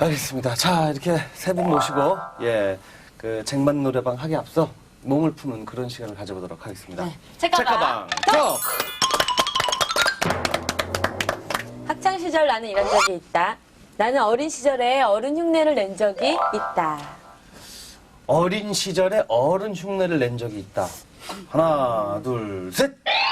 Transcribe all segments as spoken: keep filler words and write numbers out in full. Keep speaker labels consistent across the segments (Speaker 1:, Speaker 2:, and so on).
Speaker 1: 알겠습니다. 자, 이렇게 세 분 모시고, 예, 그 쟁반 노래방 하기 앞서 몸을 푸는 그런 시간을 가져보도록 하겠습니다.
Speaker 2: 네. 책가방
Speaker 1: 톡!
Speaker 2: 학창 시절 나는 이런 적이 있다. 나는 어린 시절에 어른 흉내를 낸 적이 있다.
Speaker 1: 어린 시절에 어른 흉내를 낸 적이 있다. 하나, 둘, 셋!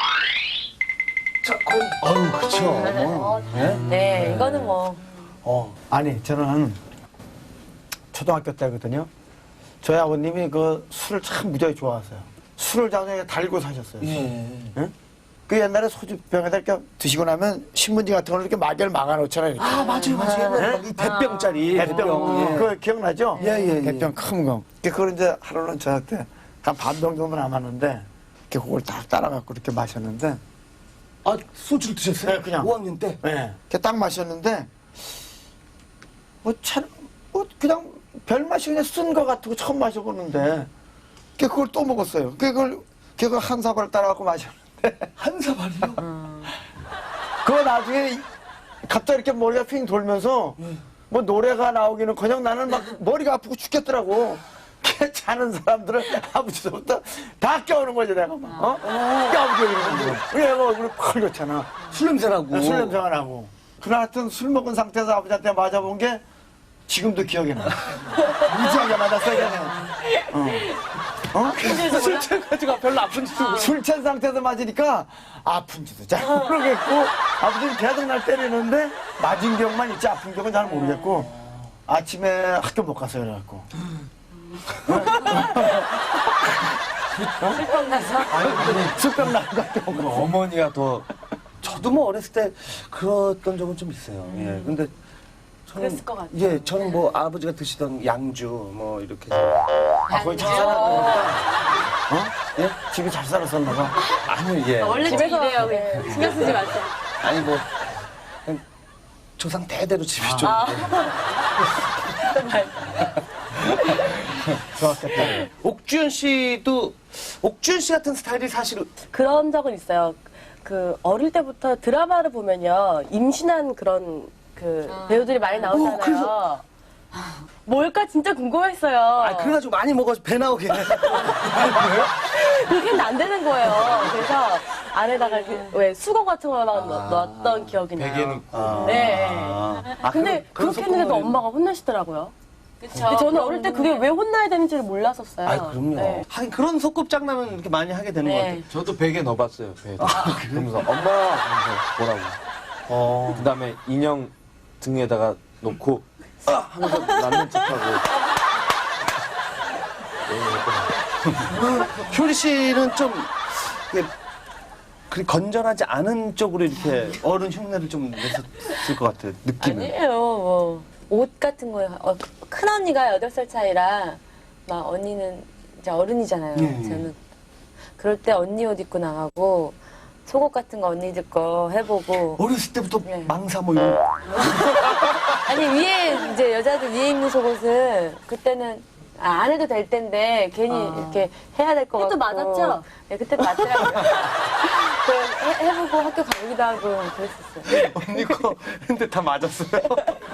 Speaker 1: 자, 어, 어우, 그쵸. 뭐, 예?
Speaker 2: 네, 이거는 뭐
Speaker 1: 어.
Speaker 3: 아니, 저는 초등학교 때거든요. 저희 아버님이 그 술을 참 무지하게 좋아하세요. 술을 자기가 달고 사셨어요.
Speaker 1: 예.
Speaker 3: 응? 그 옛날에 소주병에다 이렇게 드시고 나면 신문지 같은 걸 이렇게 마개를 막아놓잖아요. 이렇게.
Speaker 1: 아, 맞아요, 맞아요. 옛날에 이 대병짜리.
Speaker 3: 대병.
Speaker 1: 대병, 예.
Speaker 3: 그거 기억나죠?
Speaker 1: 예, 예, 예.
Speaker 3: 대병 큰 거. 그걸 이제 하루는 저한테 한 반병 정도 남았는데, 이렇게 그걸 딱 따라갖고 이렇게 마셨는데,
Speaker 1: 아, 소주를 드셨어요?
Speaker 3: 네, 그냥.
Speaker 1: 오 학년 때?
Speaker 3: 예. 이렇게 딱 마셨는데, 뭐, 참, 뭐, 그냥 별 맛이 그냥 쓴 거 같고 처음 마셔보는데, 그걸 또 먹었어요. 그걸, 그걸 한 사발 따라갖고 마셨는데,
Speaker 1: 한 사발이요?
Speaker 3: 그거 나중에 갑자기 이렇게 머리가 핑 돌면서, 뭐 노래가 나오기는 그냥 나는 막 머리가 아프고 죽겠더라고. 걔 자는 사람들은 아버지부터 다 깨우는 거지, 내가 막. 어? 깨우고 이러는 거지. 얘가 얼굴이 펄렸잖아.
Speaker 1: 술 냄새나고.
Speaker 3: 술 냄새가 나고. 그날 하여튼 술 먹은 상태에서 아버지한테 맞아본 게 지금도 기억이 나. 무지하게 맞았어, 걔는. 어. 어?
Speaker 1: 술 취해가지고 별로 아픈지도 모르고.
Speaker 3: 술 취한 상태에서 맞으니까 아픈지도 잘 모르겠고, 아버지는 계속 날 때리는데 맞은 기억만 있지 아픈 기억은 잘 모르겠고, 아침에 학교 못 갔어요, 그래갖고.
Speaker 2: 술병 나서
Speaker 3: 술병 나고 학교 못 갔어.
Speaker 4: 어머니가 더
Speaker 1: 저도 뭐 어렸을 때 그랬던 적은 좀 있어요. 예. 근데 저는,
Speaker 2: 그랬을 것 같아요.
Speaker 1: 예, 저는 뭐 아버지가 드시던 양주 뭐 이렇게 해서
Speaker 3: 아, 거의 잘 살았으니까. 어? 예? 집이 잘 살았었나 봐.
Speaker 1: 아니요, 예.
Speaker 2: 원래 집에서 이래요. 그냥. 신경 쓰지 마세요.
Speaker 1: 아니 뭐 그냥 조상 대대로 집이 좀
Speaker 3: 좋았겠다.
Speaker 1: 옥주현 씨도 옥주현 씨 같은 스타일이 사실
Speaker 5: 그런 적은 있어요. 그 어릴 때부터 드라마를 보면요 임신한 그런 그 배우들이 많이 나오잖아요.
Speaker 1: 어, 그래서-
Speaker 5: 뭘까 진짜 궁금했어요.
Speaker 1: 아 그래가지고 많이 먹어서 배 나오게.
Speaker 5: 그게는 안 되는 거예요. 그래서 안에다가 그, 왜 수건 같은 거 막 넣었던 기억이 나요.
Speaker 4: 베개 넣고.
Speaker 5: 네.
Speaker 1: 아,
Speaker 5: 근데
Speaker 1: 그런-
Speaker 5: 그렇게 했는데도 엄마가 혼내시더라고요.
Speaker 2: 그쵸.
Speaker 5: 근데 저는 어릴 때 그게 왜 혼나야 되는지를 몰랐었어요.
Speaker 1: 아 그럼요.
Speaker 5: 네.
Speaker 1: 하긴 그런 소꿉장난은 이렇게 많이 하게 되는 것 같아요.
Speaker 2: 네.
Speaker 4: 저도 베개 넣어봤어요. 베개. 그러면서 엄마 하면서 뭐라고.
Speaker 1: 어.
Speaker 4: 그 다음에 인형 등에다가 놓고 아! 하면서 낳는 척하고.
Speaker 1: 효리 씨는 좀 이게 그리 건전하지 않은 쪽으로 이렇게 어른 흉내를 좀 냈었을 것 같아요. 느낌은.
Speaker 2: 아니에요. 뭐 옷 같은 거에 어, 큰 언니가 여덟 살 차이라 막 언니는 이제 어른이잖아요.
Speaker 1: 예, 예.
Speaker 2: 저는 그럴 때 언니 옷 입고 나가고 속옷 같은 거 언니들 거 해보고
Speaker 1: 어렸을 때부터
Speaker 2: 네.
Speaker 1: 망사 뭐 이런.
Speaker 2: 아니 위에 이제 여자들 위에 입는 속옷은 그때는 아, 안 해도 될 텐데 괜히 이렇게 해야 될 것 같고
Speaker 5: 그때도 맞았죠?
Speaker 2: 네 그때도 맞더라고요. 그 해, 해보고 학교 가기도 하고 그랬었어요.
Speaker 1: 언니 거 근데 다 맞았어요.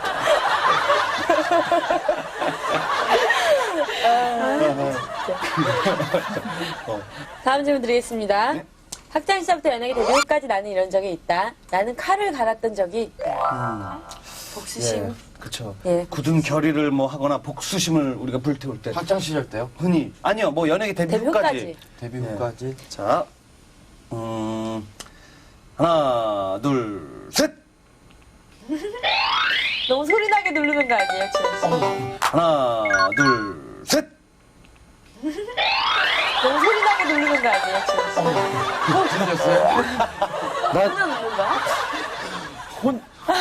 Speaker 2: 다음 질문 드리겠습니다. 학창 시절부터 연예계 데뷔 후까지 나는 이런 적이 있다. 나는 칼을 갈았던 적이 있다. 복수심.
Speaker 1: 예, 그쵸.
Speaker 2: 예.
Speaker 1: 굳은 결의를 뭐 하거나 복수심을 우리가 불태울 때
Speaker 4: 학창 시절 때요?
Speaker 1: 흔히 아니요 뭐 연예계 데뷔,
Speaker 2: 데뷔
Speaker 1: 후까지.
Speaker 2: 후까지.
Speaker 4: 데뷔
Speaker 1: 네.
Speaker 4: 후까지.
Speaker 1: 자, 음, 하나, 둘, 셋.
Speaker 2: 너무 소리나게 누르는 거 아니에요, 지현 씨?
Speaker 1: 하나, 둘, 셋.
Speaker 2: 너무 소리나게 누르는 거 아니에요, 지현 씨?
Speaker 4: 들렸어요?
Speaker 2: 소리나 누르는 거야?
Speaker 1: 혼.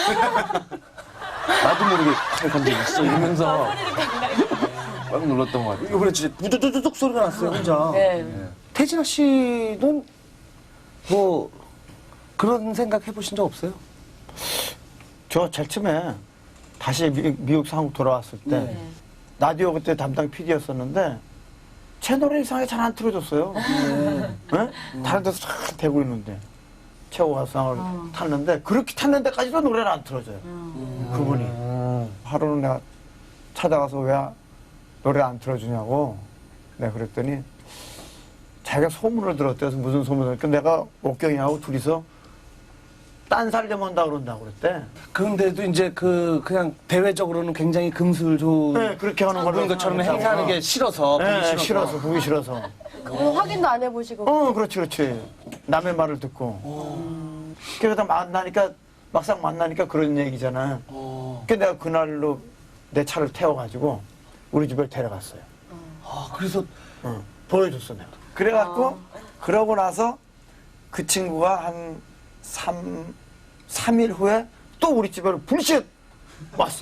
Speaker 1: 나도 모르게 칼 건드렸어 이러면서
Speaker 4: 꽉 눌렀던 것 같아요.
Speaker 1: 이번에 진짜 우두두둑 소리가 났어요 혼자.
Speaker 2: 네.
Speaker 1: 태진아 씨는 뭐 그런 생각 해보신 적 없어요?
Speaker 3: 저 제일 처음에 다시 미, 미국 한국 돌아왔을 때
Speaker 2: 네.
Speaker 3: 라디오 그때 담당 피디였었는데 채널이 이상하게 잘 안 틀어줬어요. 네? 다른 데서 쫙 대고 있는데 최고 가수상을 탔는데 그렇게 탔는데까지도 노래를 안 틀어줘요. 그분이. 하루는 내가 찾아가서 왜 노래 안 틀어주냐고 내가 그랬더니 자기가 소문을 들었대요. 그래서 무슨 소문을 들었대. 내가 옥경이하고 둘이서 딴 살려면 한다 그런다고 그랬대.
Speaker 1: 그런데도 이제 그 그냥 대외적으로는 굉장히 금술 좋은
Speaker 3: 네, 그렇게 하는 걸로
Speaker 1: 그런 것처럼
Speaker 3: 생각했다고.
Speaker 1: 행사하는 게 싫어서 보기
Speaker 3: 네,
Speaker 1: 싫어서.
Speaker 3: 싫어서 보기 싫어서.
Speaker 5: 그거 확인도 안 해보시고.
Speaker 3: 어, 그렇지, 그렇지. 남의 말을 듣고. 그러다 만나니까, 막상 만나니까 그런 얘기잖아. 그래서 내가 그날로 내 차를 태워가지고 우리 집을 데려갔어요.
Speaker 1: 아, 그래서
Speaker 3: 응. 보여줬어, 내가. 그래갖고, 그러고 나서 그 친구가 한 삼, 삼 일 후에 또 우리 집에 불신 왔어.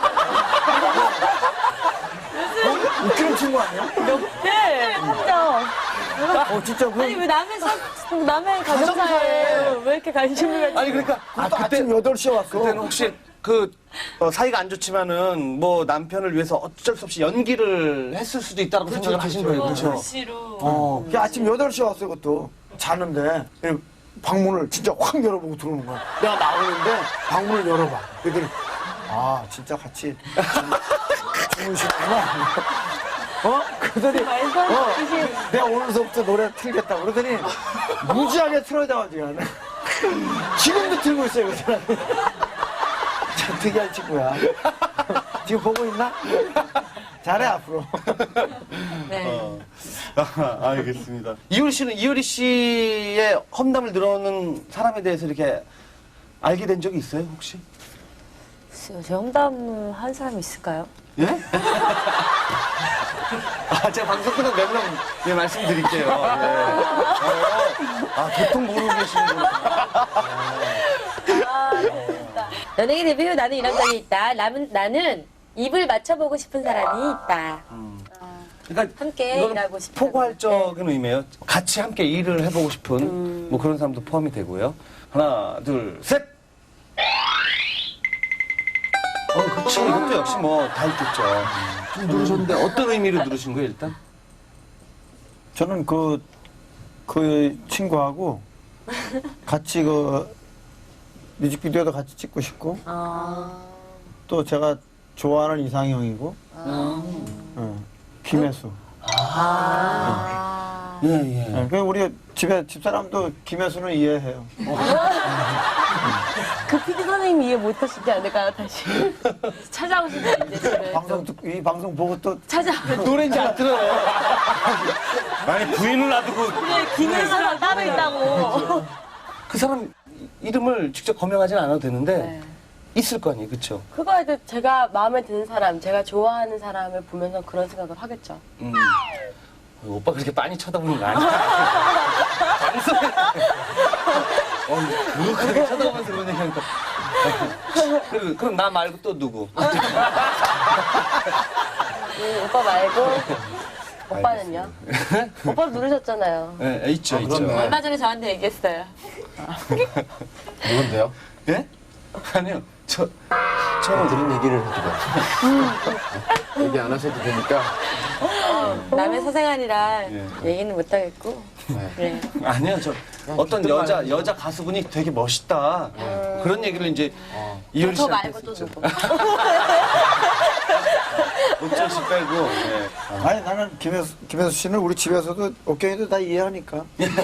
Speaker 3: 어, 웃기는 친구 아니야?
Speaker 2: 네, 진짜.
Speaker 3: 어, 진짜 그.
Speaker 2: 아니, 왜 남의 사, 남의 가정사에 왜 이렇게 관심을 갖지?
Speaker 1: 아니 그러니까
Speaker 3: 아,
Speaker 1: 그것도 그때
Speaker 3: 아침 여덟 시에 왔어.
Speaker 1: 그때는 혹시 그 어, 사이가 안 좋지만은 뭐 남편을 위해서 어쩔 수 없이 연기를 했을 수도 있다고 생각을 하신 거예요, 그렇죠?
Speaker 2: 시로.
Speaker 3: 어. 그 아침 여덟 시에 왔어, 그것도. 자는데, 방문을 진짜 확 열어보고 들어오는 거야. 내가 나오는데, 방문을 열어봐. 그랬더니, 아, 진짜 같이 주무시구나. 어? 그러더니, 어, 내가 오늘서부터 노래 틀겠다고. 그러더니, 무지하게 틀어줘가지고. 지금도 틀고 있어요, 그 사람이. 참 특이한 친구야. 지금 보고 있나? 잘해, 앞으로.
Speaker 2: 네.
Speaker 1: 아, 알겠습니다. 이효리 씨는 이효리 씨의 험담을 들어오는 사람에 대해서 이렇게 알게 된 적이 있어요, 혹시?
Speaker 2: 글쎄요, 제 험담을 한 사람이 있을까요?
Speaker 1: 예? 아, 제가 방송 끝나고 몇 명, 예, 말씀드릴게요. 예. 어, 아, 도통 모르고 계시는구나.
Speaker 2: 연예계 데뷔 후 나는 이런 적이 있다. 나는, 나는 입을 맞춰보고 싶은 사람이 있다.
Speaker 1: 그러니까
Speaker 2: 함께
Speaker 1: 이거는
Speaker 2: 일하고 싶다.
Speaker 1: 포괄적인 의미예요. 같이 함께 일을 해보고 싶은 뭐 그런 사람도 포함이 되고요. 하나, 둘, 셋! 어, 그쵸. 이것도 역시 뭐 다 있겠죠. 좀 누르셨는데 어떤 의미로 누르신 거예요, 일단?
Speaker 3: 저는 그, 그 친구하고 같이 그 뮤직비디오도 같이 찍고 싶고
Speaker 2: 아.
Speaker 3: 또 제가 좋아하는 이상형이고 응, 김혜수.
Speaker 2: 아.
Speaker 1: 예, 예.
Speaker 3: 네, 그 우리 집에 집사람도 김혜수는 이해해요.
Speaker 2: 그 피디 선생님이 이해 못하시지 않을까요, 다시? 찾아오시면 이제 집에.
Speaker 3: 방송 듣고 이 방송 보고 또
Speaker 2: 찾아.
Speaker 1: 노래인지 안 들어요. 아니, 부인을 놔두고.
Speaker 2: 김혜수랑 따로 있다고.
Speaker 1: 그 사람 이름을 직접 거명하진 않아도 되는데,
Speaker 2: 네.
Speaker 1: 있을 거 아니에요, 그쵸?
Speaker 5: 그거에도 제가 마음에 드는 사람, 제가 좋아하는 사람을 보면서 그런 생각을 하겠죠.
Speaker 1: 음. 어, 오빠 그렇게 빤히 쳐다보는 거 아니야? 방송에. 어, 그렇게 쳐다보면서 그런 얘기 하니까. 그럼, 그럼 나 말고 또 누구?
Speaker 5: 음, 오빠 말고 오빠는요? 오빠도 누르셨잖아요.
Speaker 1: 네, 있죠, 있죠.
Speaker 4: 그렇네.
Speaker 2: 얼마 전에 저한테 얘기했어요.
Speaker 4: 누군데요?
Speaker 1: 예? 아니요, 저,
Speaker 4: 처음 들은 얘기를 해주고. 얘기 안 하셔도 되니까.
Speaker 2: 남의 사생활이라
Speaker 1: 예.
Speaker 2: 얘기는 못하겠고.
Speaker 4: 네.
Speaker 2: 그래.
Speaker 1: 아니요, 저 어떤
Speaker 4: 듣던
Speaker 1: 여자,
Speaker 4: 말이죠.
Speaker 1: 여자 가수분이 되게 멋있다. 그런 얘기를 이제 이효리
Speaker 2: 저
Speaker 1: 씨한테
Speaker 2: 말고 또
Speaker 1: 했었죠.
Speaker 2: 누구?
Speaker 1: 옥철 씨 빼고. 예.
Speaker 3: 아니 나는 김혜수, 김혜수 씨는 우리 집에서도 옥경이도 다 이해하니까.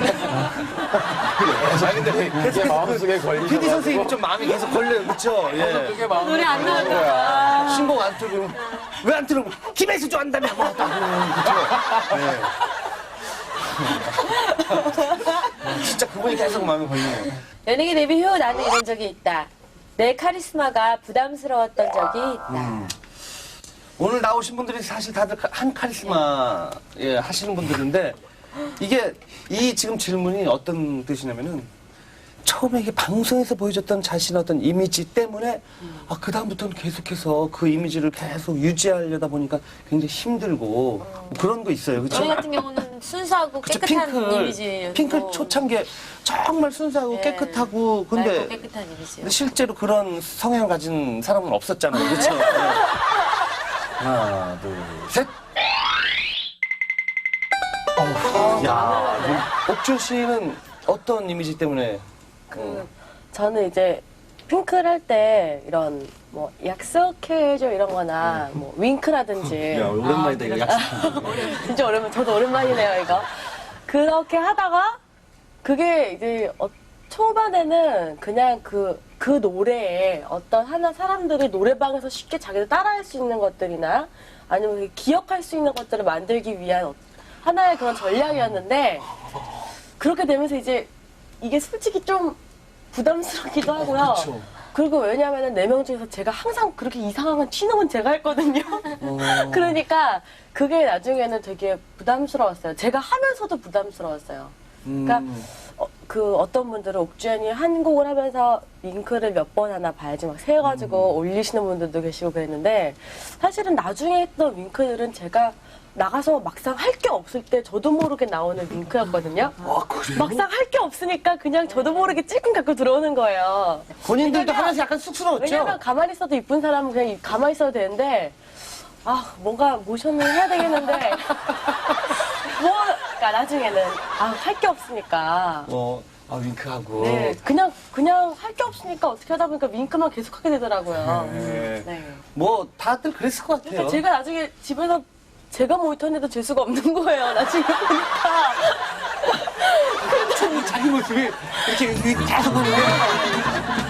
Speaker 1: 아 근데
Speaker 4: 그게 마음속에 걸리셔.
Speaker 1: 피디 선생님이 좀 마음이 계속 걸려요, 그렇죠? 예.
Speaker 4: 그게 마음속에
Speaker 2: 노래 안 나올
Speaker 4: 걸리는
Speaker 2: 거야.
Speaker 1: 신곡 안 틀고 왜 안 틀고 김혜수 좋아한다며 뭐 그렇죠? 예. 진짜 그분이 계속 마음에 걸리네요.
Speaker 2: 연예계 데뷔 후 나는 이런 적이 있다. 내 카리스마가 부담스러웠던 적이 있다.
Speaker 1: 오늘 나오신 분들이 사실 다들 한 카리스마 예, 하시는 분들인데 이게 이 지금 질문이 어떤 뜻이냐면은 처음에 이게 방송에서 보여줬던 자신의 어떤 이미지 때문에 아, 그다음부터는 계속해서 그 이미지를 계속 유지하려다 보니까 굉장히 힘들고 뭐 그런 거 있어요. 그렇죠?
Speaker 2: 저희 같은 경우는 순수하고
Speaker 1: 그쵸,
Speaker 2: 깨끗한
Speaker 1: 핑클,
Speaker 2: 이미지였고
Speaker 1: 핑클 초창기에 정말 순수하고
Speaker 2: 예.
Speaker 1: 깨끗하고
Speaker 2: 맑고
Speaker 1: 근데,
Speaker 2: 깨끗한 이미지요.
Speaker 1: 근데 실제로 그런 성향을 가진 사람은 없었잖아요. 그렇죠? 네. 하나, 둘, 셋. 어, 야, 옥준 씨는 어떤 이미지 때문에
Speaker 5: 그 저는 이제 핑클 할 때 이런 뭐 약속해줘 이런 거나 뭐 윙크라든지
Speaker 1: 야, 오랜만이다, 이거 약속.
Speaker 5: 진짜 오랜만 저도 오랜만이네요 이거 그렇게 하다가 그게 이제 어, 초반에는 그냥 그, 그 노래에 어떤 하나 사람들이 노래방에서 쉽게 자기들 따라할 수 있는 것들이나 아니면 기억할 수 있는 것들을 만들기 위한 어- 하나의 그런 전략이었는데 그렇게 되면서 이제 이게 솔직히 좀 부담스럽기도 하고요. 그리고 왜냐하면 네 명 중에서 제가 항상 그렇게 이상한 튀는 제가 했거든요. 그러니까 그게 나중에는 되게 부담스러웠어요. 제가 하면서도 부담스러웠어요. 그러니까 어, 그 어떤 분들은 옥주현이 한 곡을 하면서 윙크를 몇 번 하나 봐야지 막 세가지고 올리시는 분들도 계시고 그랬는데 사실은 나중에 했던 윙크들은 제가 나가서 막상 할 게 없을 때 저도 모르게 나오는 윙크였거든요. 막상 할 게 없으니까 그냥 저도 모르게 찔끔 갖고 들어오는 거예요.
Speaker 1: 본인들도 하면서 약간 쑥스러웠죠?
Speaker 5: 왜냐면 가만히 있어도 이쁜 사람은 그냥 가만히 있어도 되는데 아 뭔가 모션을 해야 되겠는데 뭐 그러니까 나중에는 아 할 게 없으니까
Speaker 1: 어, 아, 윙크하고.
Speaker 5: 네 그냥 그냥 할 게 없으니까 어떻게 하다 보니까 윙크만 계속 하게 되더라고요.
Speaker 1: 네.
Speaker 5: 네.
Speaker 1: 뭐, 다들 그랬을 것 같아요.
Speaker 5: 그러니까 제가 나중에 집에서 제가 모니터인데도 재수가 없는 거예요. 나중에 보니까
Speaker 1: 자기 모습이 이렇게 계속 보는데